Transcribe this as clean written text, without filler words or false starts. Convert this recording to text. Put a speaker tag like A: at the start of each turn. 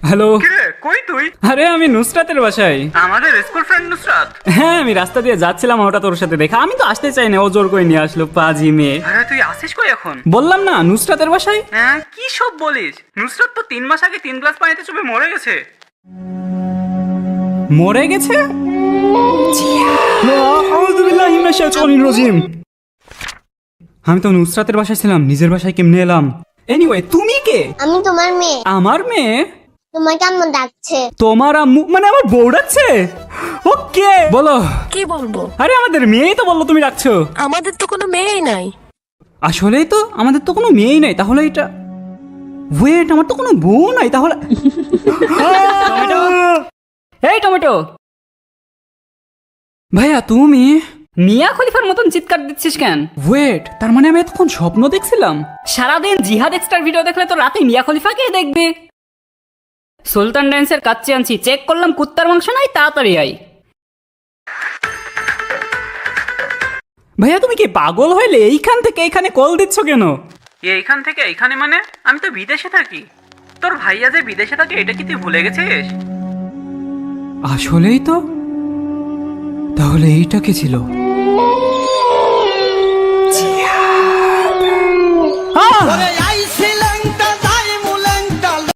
A: Hello.
B: কিরে কই তুই?
A: আরে আমি নুসরাতের বাসায়।
B: আমাদের স্কুল ফ্রেন্ড নুসরাত?
A: হ্যাঁ, আমি রাস্তা দিয়ে যাচ্ছিলাম, ওটা তোর সাথে দেখা। আমি তো আসতে চাই না, ও জোর করে নিয়ে আসলো, পাজি মেয়ে।
B: আরে তুই আসিস কই এখন?
A: বললাম না নুসরাতের বাসায়।
B: হ্যাঁ কি সব বলিস? নুসরাত তো 3 মাস আগে 3 গ্লাস পানিতে চুপে মরে গেছে।
A: মরে গেছে? আউযুবিল্লাহি মিনাশ শাইতানির রাজিম। আমি তো নুসরাতের বাসায় ছিলাম, নিজের বাসায় কেমনে এলাম? এনিওয়ে, তুমি কে?
C: আমি তোমার মেয়ে।
A: আমার মেয়ে?
C: তোমাকে আম্মু ডাকছে।
A: তোমার আম্মু মানে আমার বউ ডাকছে? ওকে বলো।
D: কি বলবো?
A: আরে আমাদের মেয়েই তো বললো, তুমি ডাকছো।
D: আমাদের তো কোনো মেয়েই নাই।
A: আসলেই তো আমাদের তো কোনো মেয়েই নাই, তাহলে এটা ওয়েট, আমার তো কোনো বউ নাই তাহলে। টমেটো, এই টমেটো ভাইয়া, তুমি মিয়া খলিফার মতন চিৎকার দিচ্ছিস কেন? ওয়েট, তার মানে আমি এতক্ষণ স্বপ্ন দেখছিলাম? সারাদিন জিহাদ এক্সট্রার ভিডিও দেখলে তো রাতে মিয়া খলিফাকে দেখবে। সুলতান ড্যান্সের কাচ্চি আনছি, চেক করলাম কুত্তার মাংস নাই, তাড়াতাড়ি আই। ভাইয়া তুমি কি পাগল হইলে? এইখান থেকে এইখানে কল দিচ্ছ কেন?
B: এইখান থেকে এইখানে মানে? আমি তো বিদেশে থাকি। তোর ভাইয়া যে বিদেশে থাকে এটা কি তুই ভুলে গেছিস?
A: আসলেই তো, তাহলে এইটা কি ছিল? আহ!